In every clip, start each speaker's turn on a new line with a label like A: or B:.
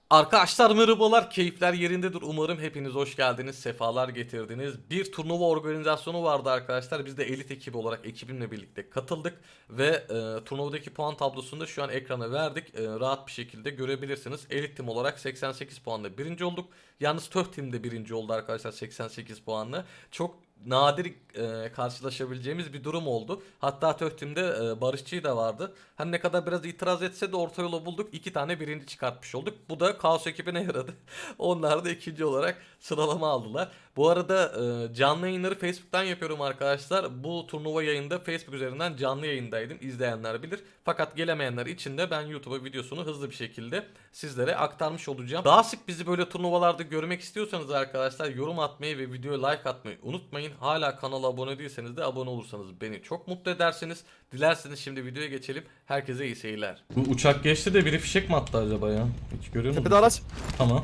A: Arkadaşlar merhabalar, keyifler yerindedir. Umarım hepiniz hoş geldiniz, sefalar getirdiniz. Bir turnuva organizasyonu vardı arkadaşlar. Biz de elit ekibi olarak ekibimle birlikte katıldık. Ve turnuvadaki puan tablosunu da şu an ekrana verdik. Rahat bir şekilde görebilirsiniz. Elit tim olarak 88 puanla birinci olduk. Yalnız Töh tim de birinci oldu arkadaşlar 88 puanla. Çok nadir karşılaşabileceğimiz bir durum oldu. Hatta Töh timde Barışçı da vardı. Her ne kadar biraz itiraz etse de orta yolu bulduk. 2 tane birinci çıkartmış olduk. Bu da Kaos ekibine yaradı. Onlar da ikinci olarak sıralama aldılar. Bu arada canlı yayınları Facebook'tan yapıyorum arkadaşlar. Bu turnuva yayında Facebook üzerinden canlı yayındaydım. İzleyenler bilir. Fakat gelemeyenler için de ben YouTube'a videosunu hızlı bir şekilde sizlere aktarmış olacağım. Daha sık bizi böyle turnuvalarda görmek istiyorsanız arkadaşlar yorum atmayı ve videoya like atmayı unutmayın. Hala kanala abone değilseniz de abone olursanız beni çok mutlu edersiniz. Dilerseniz şimdi videoya geçelim. Herkese iyi seyirler. Bu uçak geçti de biri fişek mi attı acaba ya? Hiç görüyor musun?
B: Tepede araç.
A: Tamam.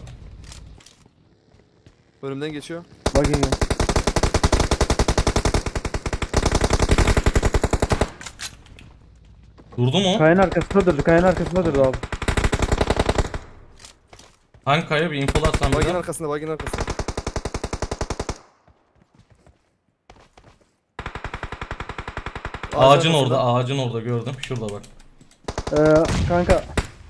B: Önümden geçiyor.
C: Bak iyi.
A: Durdu mu?
C: Kayanın arkasında durdu. Kayanın arkasında durdu abi.
A: Hangi kaya bir infolarsan
B: Bagin
A: bize.
B: arkasında, bagin arkasında.
A: Ağacın orada, ağacın orada gördüm. Şurada bak.
C: Kanka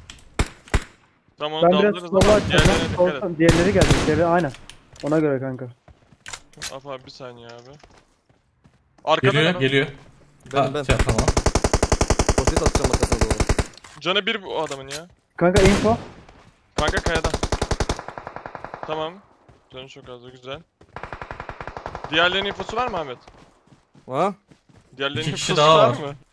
D: Tamam
C: ben
D: onu
C: biraz
D: daldırırız
C: sola
D: ama
C: açacağım.
D: diğerlerine dikkat et.
C: Diğerleri geldi. Diğerleri aynen. Ona göre kanka.
D: Af abi bir saniye abi. Arkada
A: Geliyor,
D: var.
A: geliyor.
B: Ben.
A: Tamam.
B: Posit atacağım arkasına doğru.
D: Canı bir bu adamın ya.
C: Kanka info.
D: Kanka kayada. Tamam. Canı çok az güzel. Diğerlerinin infosu var mı Ahmet?
B: Ha?
D: Diğerlerinin
A: İki kişi
D: infosu
A: daha
D: var
A: var.
D: mı?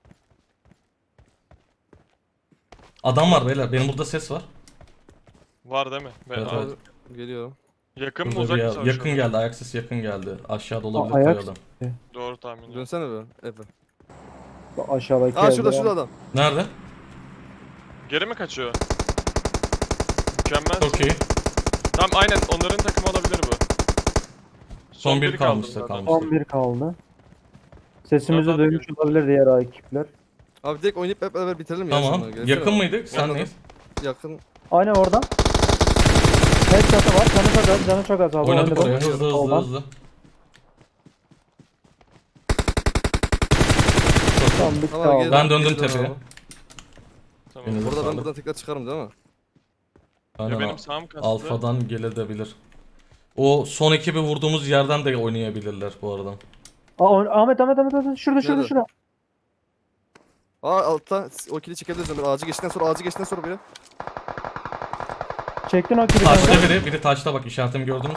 A: Adam var beyler. Benim burada ses var.
D: Var değil mi?
A: Evet,
D: Aa,
A: evet.
B: Geliyor.
D: Yakın mı
A: Burada
D: uzak
A: bir
D: mı
A: yakın
D: savaşıyor?
A: geldi. Ayak sesi yakın geldi. Aşağıda olabilir
C: ayak
A: kayalım.
D: Doğru tahmin ediyorum.
B: Dönsene be. Efe.
C: Aşağıdaki
B: Aa
C: evde
B: şurada
C: ya.
B: şurada adam.
A: Nerede?
D: Geri mi kaçıyor? Mükemmel.
A: Çok iyi.
D: Tamam aynen onların takımı olabilir bu.
A: Son bir
D: biri kaldı
A: kalmıştı,
D: zaten.
A: kalmış.
C: 11 kaldı. Sesimizi
D: Zaten
C: duymuş olabilir diğer ekipler.
B: Abi direkt oynayıp hep beraber bitirelim ya.
A: Tamam.
B: şunları. Gelsene
A: Yakın
B: abi.
A: mıydık? Sen
B: Anladım.
A: neyiz?
B: Yakın.
C: Aynen oradan. Headshot'ı var. Canı çok az. Canı çok az abi.
A: Oynadık
C: Oynadım.
A: oraya. Hızlı hızlı
C: Soldan.
A: hızlı.
C: Tamam bitti
B: Tamam,
C: abi.
A: Ben döndüm
B: Geri dön
A: tepeye.
B: abi.
D: Tamam.
A: Elinize
B: Burada ben
A: sağlık.
B: buradan tekrar çıkarım değil mi?
A: Aynen
D: Ya benim
A: abi.
D: sağım kastı.
A: Alfadan gelebilir. O son ekibi vurduğumuz yerden de oynayabilirler bu arada.
C: Ahmet. Şurada
B: Nerede?
C: şurada.
B: Aa altta o kili çekebiliriz Ömer. Ağacı geçtikten sonra biri.
C: Çektin o kili
A: Taşta
C: kanka.
A: biri taşta bak, işaretimi gördünüz.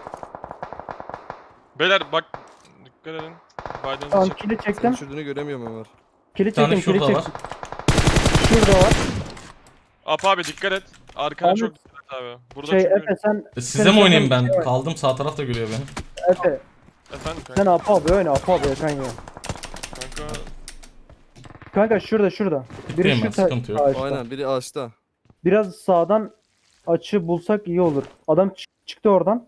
D: Beyler bak dikkat edin. Biden'ı
C: Tamam
D: çek.
C: kili
B: Senin
C: çektim.
B: düşürdüğünü göremiyorum Ömer.
C: Kili
A: Bir tane
C: çektim. Kili
A: şurada var.
C: çektim. Şurada var.
D: Ap abi dikkat et. Arkana
C: Ahmet,
D: çok dikkat et abi. Burada
C: Şey
D: çünkü...
C: Efe sen
A: Size
C: Senin
A: mi oynayayım
C: takımın
A: ben?
C: şey var.
A: Kaldım, sağ taraf da görüyor beni.
C: Efe
D: Efendim kanka.
C: sen Apo abi oyna Apo abi kan ya.
D: Kanka
C: Kanka şurada.
A: Bittiyim ben, sıkıntı yok.
C: ağaçta.
B: Aynen biri ağaçta.
C: Biraz sağdan açı bulsak iyi olur. Adam çıktı oradan.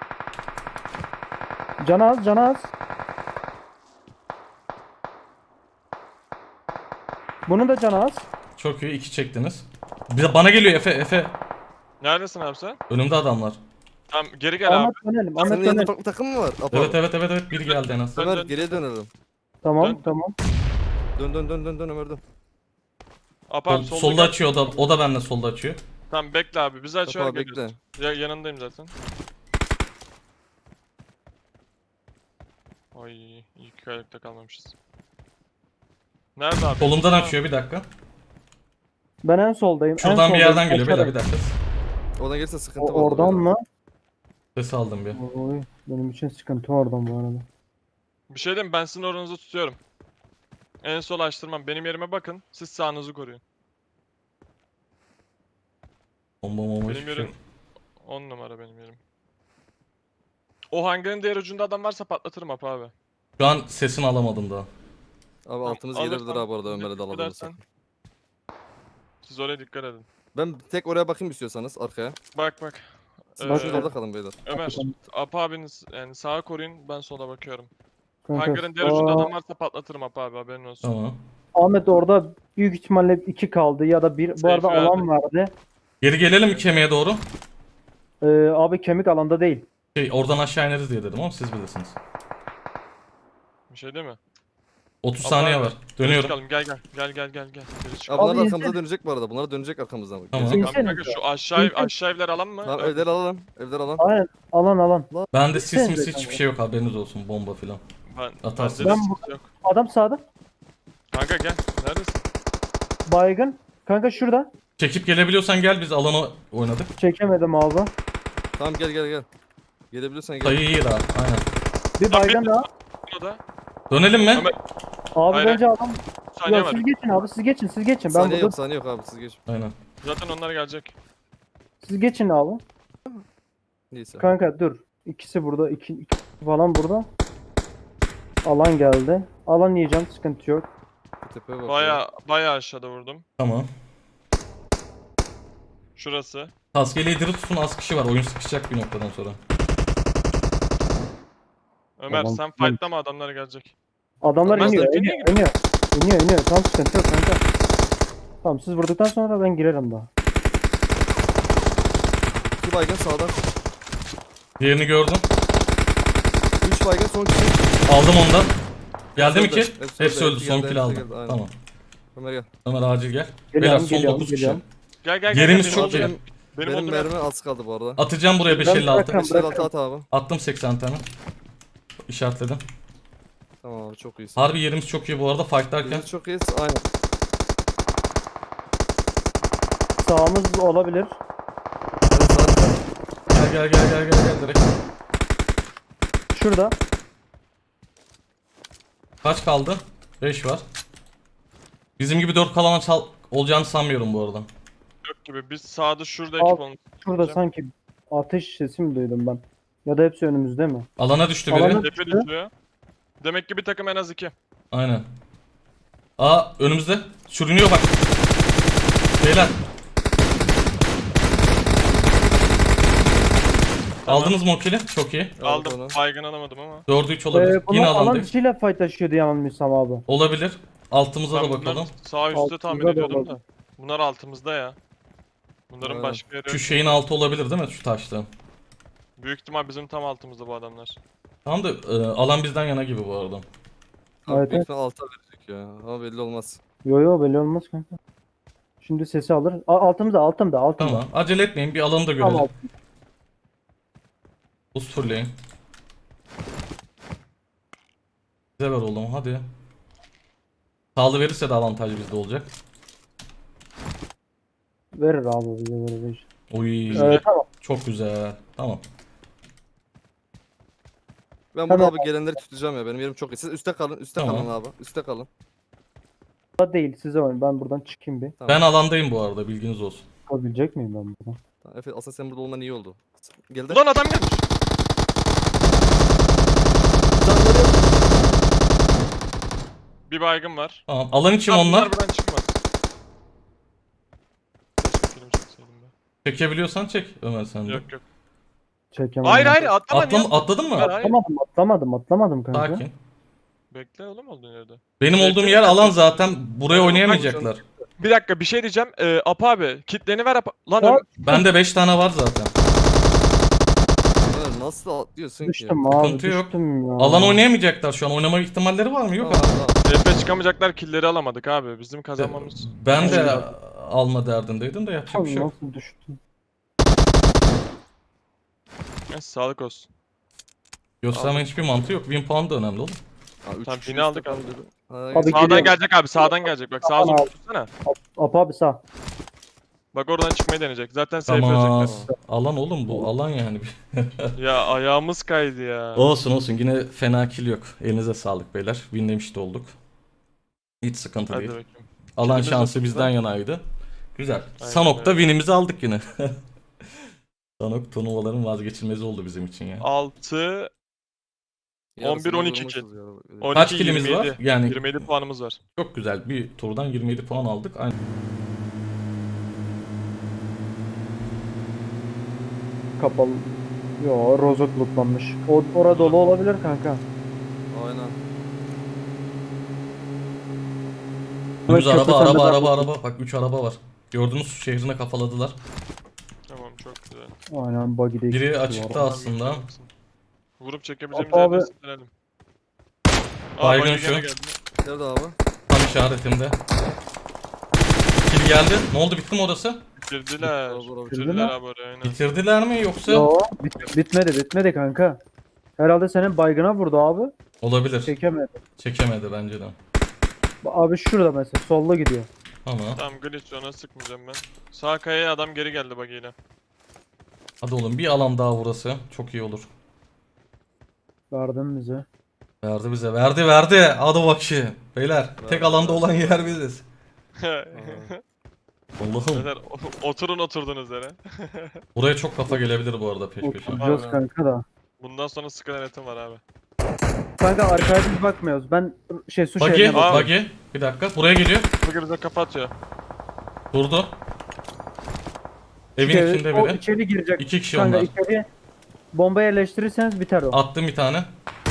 C: Canı az. Bunun da canı az.
A: Çok iyi, 2 çektiniz. Bir de bana geliyor Efe.
D: neredesin abi sen?
A: Önümde adamlar.
D: Tamam geri gel abi.
C: Ahmet dönelim. Ahmet
B: Senin yanında
C: dönelim.
B: farklı takım mı var? Apo.
A: Evet, biri geldi en az.
D: Dön,
B: Ömer
D: dön.
B: geriye dönelim.
C: Tamam
D: Dön.
C: tamam.
B: Dön Ömer dön.
D: Ap abi solda,
A: Solda
D: gel.
A: açıyor, o da benimle solda açıyor.
D: Tamam bekle abi bizi açıyor
B: Apo
D: geliyoruz.
B: bekle.
D: Ya yanındayım zaten. Ay iyi ki ayakta kalmamışız. Nerede abi?
A: Solumdan
D: Aa,
A: açıyor, bir dakika.
C: Ben en soldayım. en
A: Şuradan bir
C: soldayım.
A: yerden geliyor beyler,
C: Aşağıda.
A: bir dakika.
B: Oradan gelirse sıkıntı var.
C: Oradan mı?
A: Ses aldım bir.
C: Oy, benim için sıkıntı oradan bu arada.
D: Bir şey diyeyim mi? Ben sizin oranızı tutuyorum. En sol açtırmam. Benim yerime bakın. Siz sağınızı koruyun.
A: Bomba
D: Benim
A: hiçbir şey
D: yerim
A: yok.
D: 10 numara benim yerim. O hangarın diğer ucunda adam varsa patlatırım Ap abi.
A: Şu an sesini alamadım daha.
B: Abi altımız
D: alırsan
B: gelebilir abi bu arada Ömer'e de
D: dikkat
B: alabilirsin.
D: edersen. Siz oraya dikkat edin.
B: Ben tek oraya bakayım istiyorsanız arkaya.
D: Bak.
B: Siz
C: Bak,
B: şurada kalın beyler.
D: Ömer, Ap abiniz yani sağa koruyun ben sola bakıyorum.
C: Kanka,
D: Hangarın diğer ucunda adam varsa patlatırım Ap abi haberin olsun.
A: Tamam.
C: Ahmet orada büyük ihtimalle 2 kaldı ya da 1. Bu
D: Seyfi
C: arada
D: abi.
C: alan vardı.
A: Geri gelelim mi kemiğe doğru?
C: Abi kemik alanda değil.
A: Oradan aşağı ineriz diye dedim ama siz bilirsiniz.
D: Bir şey değil mi?
A: 30
D: Abi,
A: saniye
D: abi.
A: var.
D: Geri
A: Dönüyorum.
D: çıkalım gel. Geri
B: Ya
D: çıkalım.
B: bunlar
C: Abi
B: da arkamıza
C: insene.
B: dönecek bu arada. Bunlar dönecek arkamızdan.
A: Tamam.
B: Gelecek.
C: İnsene.
D: Kanka şu
C: İnsene.
D: aşağı evler alan mı?
B: Tamam
D: Evet.
B: evleri alalım. Evleri alalım.
C: Aynen. Alan.
A: Bende sis
C: Gitsenize
A: mis
C: kanka.
A: hiçbir şey yok, haberiniz olsun, bomba filan. Atarsın.
D: Bende de
C: Ben
D: sıkıntı yok.
C: Adam sağda.
D: Kanka gel. Neredesin?
C: Baygın. Kanka şurada.
A: Çekip gelebiliyorsan gel, biz alana oynadık.
C: Çekemedim abi.
B: Tamam gel. Gelebiliyorsan gel.
A: Sayı iyi daha, aynen.
C: Bir baygın daha.
D: Burada.
A: Dönelim mi?
D: Ömer,
C: Abi
D: Hayır,
C: bence adam.
D: saniye
C: Ya
D: var.
C: siz geçin abi, siz geçin. Ben
B: Saniye
C: burada.
B: yok abi siz geç.
A: Aynen.
D: Zaten onlar gelecek.
C: Siz geçin abi.
B: Neyse.
C: Kanka dur. İkisi burada. İki falan burada. Alan geldi. Alan yiyeceğim, sıkıntı yok.
B: Tepeye bak.
D: Baya aşağıda vurdum.
A: Tamam.
D: Şurası.
A: Taskeli diri tutun, az kişi var. Oyun sıkışacak bir noktadan sonra.
D: Ömer
C: Tamam,
D: sen
C: tamam.
D: fightlama adamlar gelecek.
C: Adamlar
D: Ben
C: iniyor,
D: zaten
C: iniyor. Tam sıkıntı yok kanka. Tamam, siz vurduktan sonra ben girerim daha.
B: İki baygın sağdan.
A: Diğerini gördüm.
B: 3 baygın son kişi.
A: Aldım ondan. Geldi mi
B: Hepsi
A: ki?
B: öldü,
A: Hepsi öldü.
B: hepsi
A: Son
B: geldi,
A: kill
B: hepsi
A: aldım.
B: geldi, aynen.
A: Tamam.
B: Ömer gel.
A: Ömer acil gel.
C: Geliyorum,
A: Beyler son
C: geliyorum,
A: 9 kişi.
C: geliyorum.
D: Gel.
A: Yerimiz
D: benim
A: çok
D: olduğum
A: iyi.
D: yer-
B: Benim,
D: Benim
B: benim
D: olduğum yer-
B: mermi az kaldı bu arada.
A: Atacağım buraya 556.
C: bırakırım.
B: 556 at abi.
A: Attım 80 tane. İşaretledim.
B: Tamam abi çok iyisin.
A: Harbi yerimiz çok iyi bu arada fightlarken.
B: Biz çok iyiyiz. Aynen.
C: Sağımız olabilir.
B: Ben zaten
A: Gel direkt.
C: Şurada.
A: Kaç kaldı? 5 var. Bizim gibi 4 kalana olacağını sanmıyorum bu arada.
D: Yok gibi. Biz sağda şurada
C: Al.
D: ekip olmuş.
C: Şurada sanki ateş sesi mi duydum ben? Ya da hepsi önümüzde mi?
A: Alana düştü biri.
C: Alana-
D: Tepe düşüyor. Demek ki bir takım en az 2.
A: Aynen. Aa önümüzde. Sürünüyor bak. Beyler.
D: Tamam.
A: Aldınız mı o kill'i? Çok iyi.
D: Aldım.
B: onu.
D: Baygın alamadım ama.
A: 4'ü 3 olabilir.
C: Bunu
A: Yine
C: alan
A: alandayız.
C: dışıyla fightlaşıyordu yanılmıyorsam abi.
A: Olabilir. Altımıza
D: Ben
A: da
D: bunların
A: bakalım.
D: sağ üstte
C: Altımızda
D: tahmin
C: da
D: ediyordum
C: olabilir.
D: da. Bunlar altımızda ya. Bunların
B: Evet.
D: başka yeri
A: Şu
D: yok.
A: şeyin altı olabilir değil mi? Şu taşta.
D: Büyük ihtimal bizim tam altımızda bu adamlar.
A: Tamam da alan bizden yana gibi bu arada.
B: Abi
C: Evet,
B: büyük ihtimal alta verecek ya. Ama belli olmaz.
C: Yo belli olmaz kanka. Şimdi sesi alır. Altımda.
A: Tamam. Acele etmeyin. Bir alanı da görelim.
C: Tamam.
A: Buz fırlayın. Bize ver oğlum hadi. Sağlı verirse de avantaj bizde olacak.
C: Verir abi, bize verir.
A: Oy.
C: Tamam.
A: Çok güzel. Tamam.
B: Ben burada
C: Tamam.
B: abi gelenleri tutacağım ya. Benim yerim çok iyi. Siz üstte kalın. Üstte
A: Tamam.
B: kalın abi. Üstte kalın.
C: Da değil, size oynayın. Ben buradan çıkayım bir.
B: Tamam.
A: Ben alandayım bu arada, bilginiz olsun.
C: Çıkabilecek miyim ben buradan?
B: Tamam, Efe aslında sen burada olman iyi oldu. Geldi.
D: Ulan adam gelmiş.
B: Canları yok.
D: Bir baygın var.
A: Tamam. Alan için
D: Abi
A: onlar.
D: buradan çıkma. Keşke film çekseydim ben.
A: Çekebiliyorsan çek Ömer sen de.
D: Yok.
C: Çekemem.
D: Hayır atlama niye?
A: Atladın mı?
D: Hayır.
C: Atlamadım kanka.
A: Sakin.
D: Bekle oğlum olduğun yerde.
A: Benim olduğum yer alan zaten. Buraya oynayamayacaklar.
D: Bir dakika bir şey diyeceğim. Apa abi kitleni ver Apa. Lan
C: Ya-
A: Bende 5 tane var zaten.
B: Evet, nasıl atlıyorsun ki?
C: Düştüm abi,
A: Sıkıntı yok.
C: düştüm ya.
A: Alan oynayamayacaklar şu an. Oynama ihtimalleri var mı? Yok.
B: Tamam, tamam.
D: TP çıkamayacaklar killleri alamadık abi. Bizim kazanmamız.
A: Ben de
C: Aynen.
A: alma derdindeydim de yapacak bir şey yok.
C: Nasıl düştüm?
D: Neyse sağlık olsun.
A: Göstermenin hiçbir mantığı yok. Win puan da önemli oğlum.
B: Ha, üç
D: Tamam,
B: kişi
D: yine aldık
B: üstte
D: abi.
B: kaldı. Ha,
C: Abi,
B: gel.
D: Sağdan
C: geliyorum.
D: gelecek abi sağdan gelecek. Bak sağa
C: Tamam
D: zoom
C: abi.
D: tutsana.
C: Apa abi sağ.
D: Bak oradan çıkmayı deneyecek. Zaten safe
A: Tamam.
D: verecekler.
A: Alan oğlum bu. Alan yani.
D: Ya ayağımız kaydı ya.
A: Olsun yine fena kill yok. Elinize sağlık beyler. Winlemiş de olduk. Hiç sıkıntı
D: Hadi
A: değil.
D: bakayım.
A: Alan
D: Killimiz
A: şansı
D: yok
A: bizden
D: bizden.
A: yanaydı. Güzel.
D: Aynen
A: Sanok'ta
D: öyle.
A: winimizi aldık yine. Sanok turnuvaların vazgeçilmezi oldu bizim için ya.
D: 6,
B: Yarısını
D: 11-12
B: vurmuşuz
D: kill.
B: ya.
D: 12,
A: Kaç killimiz
D: 27.
A: var? Yani
D: 27 puanımız var.
A: çok güzel. Bir turdan 27 puan aldık. Aynen.
C: Kapalı. Yo, rozok lootlanmış. Orada dolu olabilir kanka.
B: Aynen.
A: Önümüzde
C: Evet, köprü
A: araba.
C: sende ben-
A: Bak 3 araba var. Gördüğünüz şehrine kafaladılar.
D: Tamam çok güzel.
C: Aynen buggy'de iki
A: Biri
C: kişi var.
A: açıkta aslında.
D: Vurup çekebileceğimiz
C: Apo
D: yerleri
C: abi-
D: silelim.
A: Baygın
D: buggy gene
A: şu.
D: geldi.
B: Nerede abi?
A: Tam işaretimde. Kill geldi. Ne oldu, bitti mi orası?
D: Bitirdiler.
B: Bravo,
D: Bitirdiler abi oraya aynen.
A: Bitirdiler mi yoksa?
C: Yo, bitmedi kanka. Herhalde senin baygına vurdu abi.
A: Olabilir.
C: Çekemedi.
A: Çekemedi bence de.
C: Abi şurada mesela solda gidiyor.
A: Ama
D: Tamam glitch ona sıkmayacağım ben. Sağ kayaya adam geri geldi buggy ile.
A: hadi oğlum bir alan daha burası. Çok iyi olur.
C: Verdin bize.
A: Verdi bize. Verdi. Hadi bakayım. Beyler tek alanda olan yer biziz. Allah'ım.
D: Beyler, oturun oturduğunuz yere.
A: Buraya çok kafa gelebilir bu arada peş peşe.
C: Oturacağız
D: Aynen.
C: kanka da.
D: Bundan sonra sıkı denetim var abi.
C: Kanka arkaya biz bakmıyoruz. Ben su
A: Buggy,
C: şehrine bak.
A: buggy. Bir dakika. Buraya geliyor.
D: Buggy bize kapatıyor.
A: Durdu. Evin içinde
C: O
A: biri.
C: içeri girecek.
A: 2 kişi
C: Kanka
A: onlar.
C: içeri bomba yerleştirirseniz biter o.
A: Attım bir tane.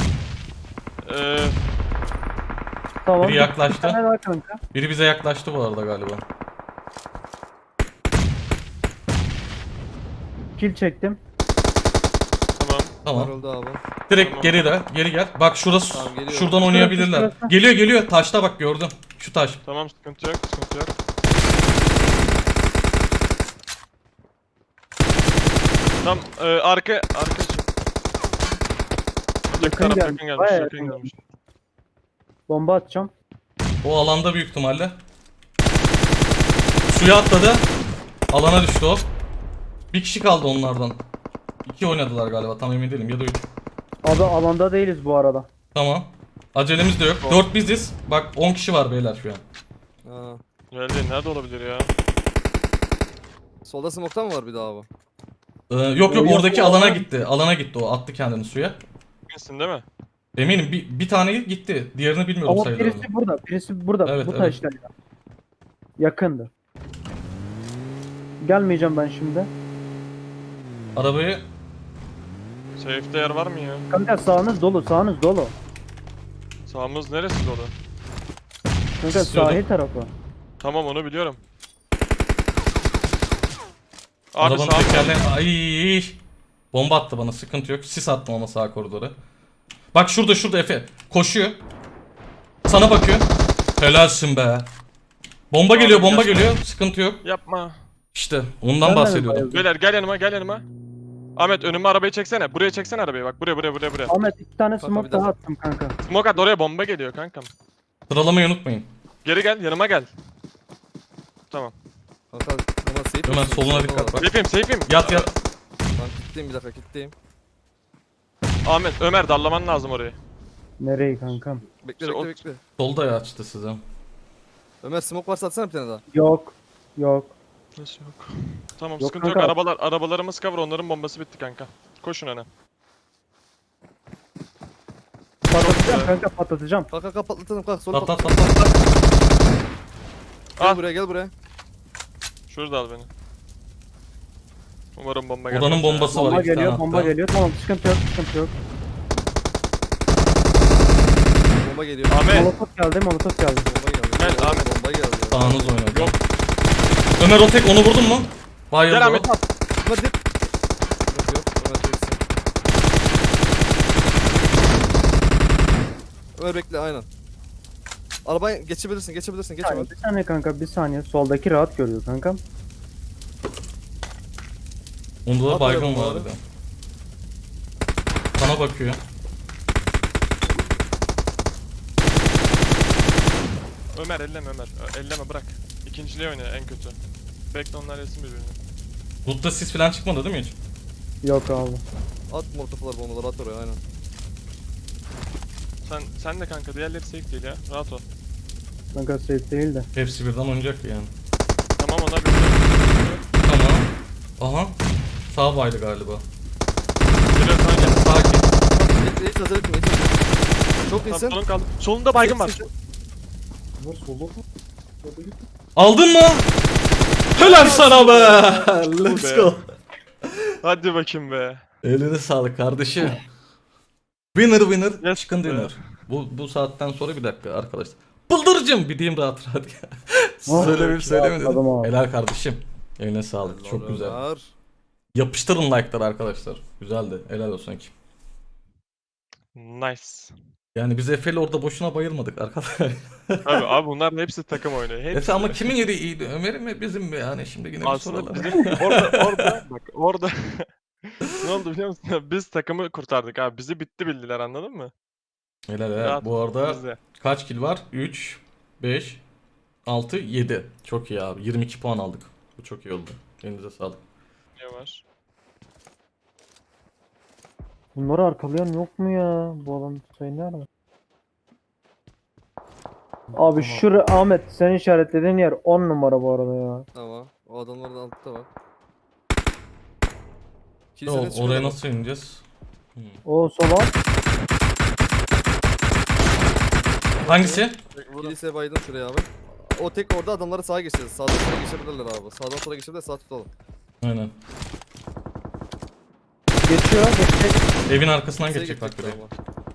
C: Tamam.
A: biri yaklaştı.
C: Bir tane daha kanka.
A: Biri bize yaklaştı bu arada galiba.
C: Kill çektim.
D: Tamam.
A: Tamam.
B: Öldü abi.
A: Direkt
D: Tamam.
A: geri de. Geri gel. Bak şurası.
B: Tamam, geliyorum.
A: Şuradan oynayabilirler.
C: şurası.
A: Geliyor. Taşta bak gördüm. Şu taş.
D: Tamam sıkıntı yok sıkıntı yok. Tamam arka çık.
C: Yakın
D: Taraf
C: gelmiş,
D: yakın gelmiş.
C: bayağı
D: Yakın
C: yakın
D: gelmiş.
C: Bomba atacağım.
A: O alanda büyük ihtimalle. Suya atladı. Alana düştü o. Bir kişi kaldı onlardan. 2 oynadılar galiba, tam emin değilim, ya da 3.
C: Abi alanda değiliz bu arada.
A: Tamam. Acelemiz de yok. 4 biziz. Bak 10 kişi var beyler şu an.
B: Ha.
D: Geldi nerede olabilir ya?
B: Solda smoke'tan mı var bir daha abi?
A: Yok
C: Yok,
A: oradaki
C: yok.
A: alana gitti. Alana gitti o. Attı kendini suya.
D: Eminsin değil mi?
A: Eminim bir tane gitti. Diğerini bilmiyorum
C: Ama
A: sayılarını.
C: birisi burada.
A: Evet,
C: Bu
A: evet.
C: taşlar. Yakındı. Gelmeyeceğim ben şimdi.
A: Arabayı
D: Safe'de yer var mı ya?
C: Kanka sağınız dolu, sağınız dolu.
D: Sağımız neresi dolu?
C: Kanka
A: İstiyordum.
C: sahil tarafı.
D: Tamam onu biliyorum. Abi
A: arabanın
D: sağ
A: tekerleği... Ay! Bomba attı bana, sıkıntı yok. Sis attım ama sağ koridora. Bak şurada Efe. Koşuyor. Sana bakıyor. Helalsin be. Bomba
D: Abi
A: geliyor, bomba
D: gerçekten.
A: geliyor. Sıkıntı yok.
D: yapma.
A: İşte ondan
C: Ben de
A: bahsediyordum.
C: bayıldım.
D: Beyler gel yanıma. Ahmet önüme arabayı çeksene. Buraya çeksene arabayı bak. Buraya.
C: Ahmet 2 tane
B: Kanka,
C: smoke
B: bir daha.
C: daha attım kanka.
D: Smoke at oraya bomba geliyor kankam.
A: Sıralamayı unutmayın.
D: Geri gel yanıma gel. Tamam.
B: Kanka bana safe
A: Ömer
B: misin?
A: soluna
B: Solda
A: dikkat
B: var.
A: bak.
D: Safe'im.
A: Yat.
B: Ben kilitleyeyim bir dakika kilitleyeyim.
D: Ahmet Ömer darlaman lazım orayı.
C: Nereyi kankam?
B: Bekle
D: İşte
B: bekle.
A: Solda ya açtı size.
B: Ömer smoke varsa atsana bir tane daha.
C: Yok.
D: Nasıl yok? Tamam
C: Yok
D: sıkıntı
C: kanka.
D: yok. Arabalarımız cover onların bombası bitti kanka. Koşun öne.
C: Patlatacağım kanka patlatacağım.
B: Kalk patlatalım kalk. Sonra
A: Pat
B: patlat.
A: pat pat pat.
B: Gel
D: Al.
B: buraya.
D: Şurada al beni. Umarım bomba gelmez.
A: Odanın
D: ya.
A: bombası var.
C: Bomba
A: iki tane
C: geliyor,
A: hatta.
C: bomba geliyor. Tamam sıkıntı yok.
B: Bomba geliyor.
D: Ahmet.
C: Molotof geldi.
B: Bomba geldi.
D: Gel Ahmet.
B: Bomba geldi.
A: Sağınız oynadı.
D: Yok.
A: Ömer o tek, onu vurdun mu? Bayıldı
D: Gel
A: o.
D: Ahmet at.
B: Ömer dip. Yok. Ömer teksin. Ömer bekle aynen. Arabaya geçebilirsin. Geç Ömer.
C: Bir saniye kanka bir saniye. Soldaki rahat görüyor kankam.
A: Onda da
B: At
A: baygın
B: oraya
A: var
B: bombaları.
A: bir de. Sana bakıyor.
D: Ömer elleme Ömer. Elleme bırak. İkinciliğe oyna en kötü. Bekle onlar yesin birbirini.
A: Loot'ta sis falan çıkmadı değil mi hiç?
C: Yok abi.
B: At molotoflar bombaları at oraya aynen.
D: Sen de kanka diğerleri safe değil ya. Rahat ol.
C: Kanka safe değil de.
A: Hepsi birden oynayacak yani.
D: Tamam onlar bir
A: Tamam. Aha. Sağ baydı galiba.
D: Geliyor sana gel.
A: Sakin.
B: Hiç hazır etme. Çok
D: Tamam
B: iyisin.
D: solun kaldı. Solunda baygın var.
A: Aldın mı? Helal sana be. Let's
D: be.
A: go.
D: Hadi bakayım be.
A: Eline sağlık kardeşim. Winner
D: Yes
A: chicken
D: be.
A: dinner. Bu saatten sonra bir dakika arkadaşlar. Bıldırcım bir diyeyim rahat. Söylemedin.
C: Adam abi.
A: Helal kardeşim. Eline sağlık. Çok güzel.
B: Ömer.
A: Yapıştırın like'ları arkadaşlar. Güzeldi. Helal olsun ekip.
D: Nice.
A: Yani biz Efe'yle orada boşuna bayılmadık arkadaşlar.
D: Abi bunların hepsi takım oyunu. Hepsi.
A: Efe ama kimin yeri iyiydi? Ömer'in mi bizim mi? Yani şimdi yine bir
D: Aslında
A: soralım.
D: bizim orada bak orada ne oldu biliyor musun? Biz takımı kurtardık abi. Bizi bitti bildiler, anladın mı?
A: Helal helal.
D: Rahat
A: Bu arada
D: bizde.
A: kaç kill var? 3, 5, 6, 7. Çok iyi abi. 22 puan aldık. Bu çok iyi oldu. Elinize sağlık.
D: Ne var?
C: Bunları arkalayan yok mu ya? Bu alan sayı nerede? Abi şuraya Ahmet sen işaretlediğin yer 10 numara bu arada ya.
B: Tamam. O adamlar da altta var.
A: O,
B: Kiliseden çıkıyor
A: oraya
B: adam.
A: nasıl ineceğiz?
C: O sola.
A: Hangisi?
B: Kiliseye baydım şuraya abi. O tek orada adamları sağa geçeceğiz. Sağdan sola geçebilirler abi. Sağdan sola geçebilirler, sağ tutalım.
A: Aynen.
C: Geçiyor. Geçecek.
A: Evin arkasından
B: Kiliseye
A: geçecek bak
B: gidecekler
A: buraya.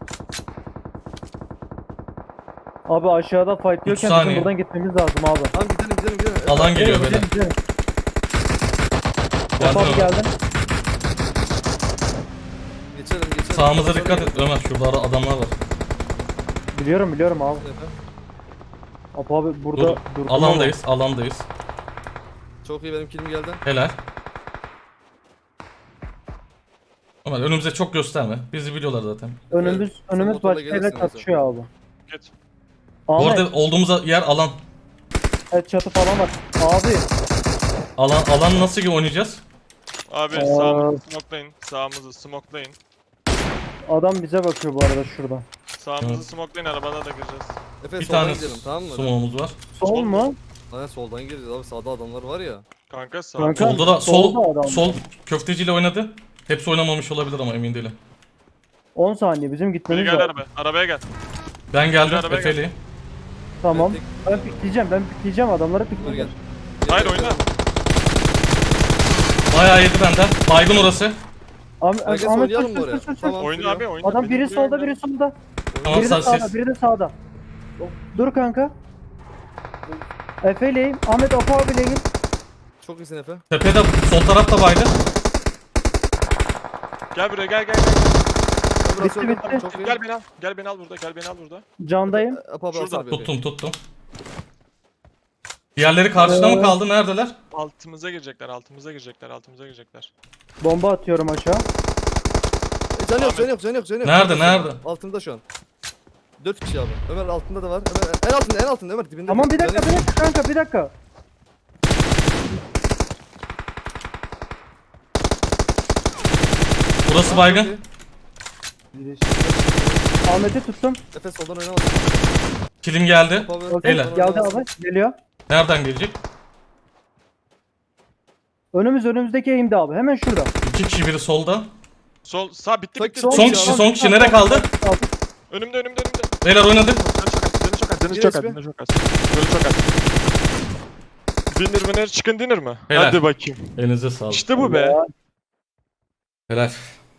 C: Abi aşağıda fight diyorken
A: saniye.
C: bizim buradan gitmemiz lazım abi.
B: Tamam gidelim.
A: Alan geliyor böyle.
C: Gidelim, gidelim.
A: Geldin
C: Abi
A: Ömer.
C: geldin.
B: Geçelim.
A: Sağımıza dikkat et Ömer. Şurada adamlar var.
C: Biliyorum abi. Abi burada
A: Dur.
C: durdum
A: Alandayız.
B: Çok iyi, benim kilim geldi.
A: Helal. Ömer önümüze çok gösterme. Bizi biliyorlar zaten.
C: ama. Önümüz
B: motorla
C: başka yerle
B: gelirsin
C: çatışıyor abi.
D: Git.
A: Bu
C: Ahmet,
A: arada olduğumuz yer alan.
C: evet, çatı falan var. Abi
A: Alan nasıl gibi oynayacağız?
D: Abi
C: Aa.
D: sağımızı smokelayın. Sağımızı smokelayın.
C: adam bize bakıyor bu arada şurada.
D: Sağımızı
A: Evet.
D: smokelayın, arabana da gireceğiz.
B: Efe
A: Bir
B: soldan
A: tane
B: gidelim, tamam mı?
A: smoke'umuz var.
C: Sol mu?
B: Aynen soldan gireceğiz abi, sağda adamlar var ya.
D: Kanka sağ.
C: Kanka.
A: Solda da
C: solda adam
A: sol
C: var.
A: köfteciyle oynadı. Hepsi oynamamış olabilir ama emin değilim.
C: 10 saniye bizim
D: Biri
C: gitmemiz
D: gel
C: lazım.
D: arabaya gel.
A: Ben geldim
D: arabaya gel.
A: Efe'li.
C: Tamam.
B: Ben
C: Ben pikleyeceğim adamları
B: Dur gel.
C: pikleyeceğim.
D: Hayır oyna.
A: Bayağı yedi benden. Baygın orası.
B: Herkes
C: Ahmet
B: oynayalım mı
C: sus,
B: oraya?
C: sus, sus, sus.
B: Tamam.
D: Oyna abi oyna.
C: Adam
D: Beni
C: biri
D: buraya
C: solda
D: gönder.
C: biri solda.
A: Tamam
C: Biri de
A: sessiz.
C: sağda biri de sağda. Dur kanka. Efe'leyim. Ahmet Apo abileyim.
B: Çok iyisin Efe.
A: Tepede sol tarafta baydı.
D: Gel buraya gel.
B: Ben biraz
C: Bitti,
B: öldüm,
C: bitti.
B: Çok iyi.
D: Gel beni al. Gel beni al burada. Gel beni al burada.
C: Candayım.
B: Apa abi
D: Şurada,
B: alsana bir
A: Tuttum. Diğerleri karşıda mı kaldı? Neredeler?
D: Altımıza girecekler.
C: Bomba atıyorum aşağı.
B: Can yok.
A: Nerede?
B: Altında şu an. 4 kişi abi. Ömer altında da var. Ömer en altında Ömer dibinde.
C: Tamam bir
B: Can
C: dakika
B: yok.
C: kanka bir dakika.
A: Burası baygın.
C: Ahmet'i tuttum.
B: Efe soldan oynamaz.
A: Kilim geldi.
B: Apa abi.
C: Okey,
A: Helal.
C: geldi abi. Geliyor.
A: Nereden gelecek?
C: Önümüzdeki eğimde abi. Hemen şurada.
A: 2 kişi biri solda.
D: Sol sağ bitti.
A: Son kişi nerede kaldı?
D: Önümde.
A: Beyler oynadık.
D: Canı çok az. Dinner çıkın dinner mı?
A: Helal.
D: Hadi bakayım.
A: Elinize sağlık.
D: İşte bu be.
A: Helal.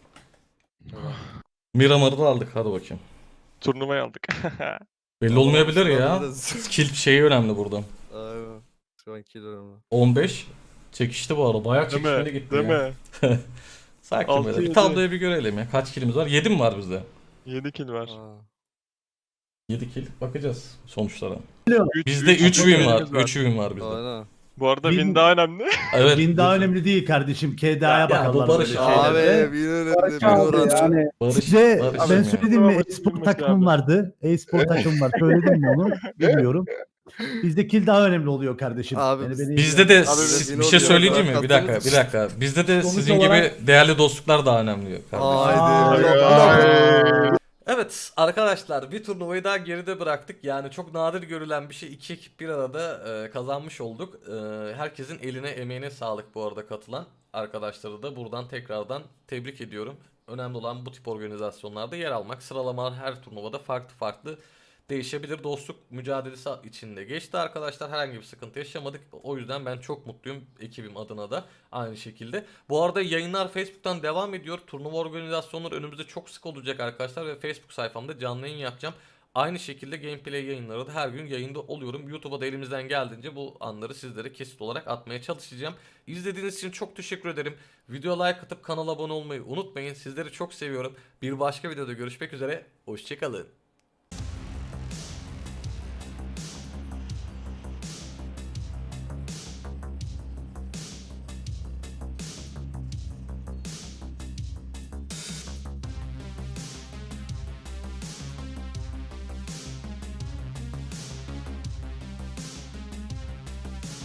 A: Miramar'ı da aldık. Hadi bakayım.
D: Turnuvayı aldık.
A: Belli olmayabilir ya.
B: Biraz-
A: Skill şeyi önemli burada.
B: Aynen. Şu an kill önemli.
A: 15. Çekişti bu arada. Bayağı
D: Değil
A: çekişmeli
D: mi?
A: gitti
D: Değil
A: ya.
D: mi?
A: Sakin
D: Altı
A: böyle. Bir
D: yedi.
A: tabloyu bir görelim ya. Kaç kilimiz var? 7 mi var bizde?
D: 7 kill var.
B: Aa.
A: 7 kill. Bakacağız sonuçlara.
D: Üç-
A: Bizde
D: üç
A: 3 win var.
D: kilimiz
A: 3 win var bizde.
B: Aynen.
D: Bu arada
E: Win-
D: win daha önemli.
A: Evet.
E: Win daha önemli değil kardeşim. KDA'ya
A: Ya,
E: bakarlar
A: bu Barış
E: böyle
A: abi.
E: şeylerde.
B: Abi bir önemli
C: Barış
B: bir
C: abi
B: oran.
C: yani.
A: Barış,
E: Size
A: Barış
E: ben
A: ya.
E: söyledim mi?
D: Tamam,
E: E-spor
D: bilmiş
E: takımım
D: abi.
E: vardı. E-spor takımım var. Söyledim mi onu? Bilmiyorum. Bizde kill daha önemli oluyor kardeşim.
B: Abi,
A: Bizde de
B: Abi,
A: bir
B: biz
A: şey
B: yine
A: söyleyeceğim mi?
B: oluyor.
A: Bir dakika. Bizde de
E: Sonuç
A: sizin
E: olarak-
A: gibi değerli dostluklar daha önemli kardeşim.
B: Haydi.
A: Evet arkadaşlar bir turnuvayı daha geride bıraktık. Yani çok nadir görülen bir şey. İki ekip bir arada kazanmış olduk. Herkesin eline emeğine sağlık bu arada katılan arkadaşları da buradan tekrardan tebrik ediyorum. Önemli olan bu tip organizasyonlarda yer almak. Sıralamalar her turnuvada farklı değişebilir. Dostluk mücadelesi içinde geçti arkadaşlar. Herhangi bir sıkıntı yaşamadık. O yüzden ben çok mutluyum ekibim adına da aynı şekilde. Bu arada yayınlar Facebook'tan devam ediyor. Turnuva organizasyonları önümüzde çok sık olacak arkadaşlar ve Facebook sayfamda canlı yayın yapacağım. Aynı şekilde gameplay yayınları da her gün yayında oluyorum. YouTube'a da elimizden geldiğince bu anları sizlere kesit olarak atmaya çalışacağım. İzlediğiniz için çok teşekkür ederim. Videoya like atıp kanala abone olmayı unutmayın. Sizleri çok seviyorum. Bir başka videoda görüşmek üzere. Hoşçakalın.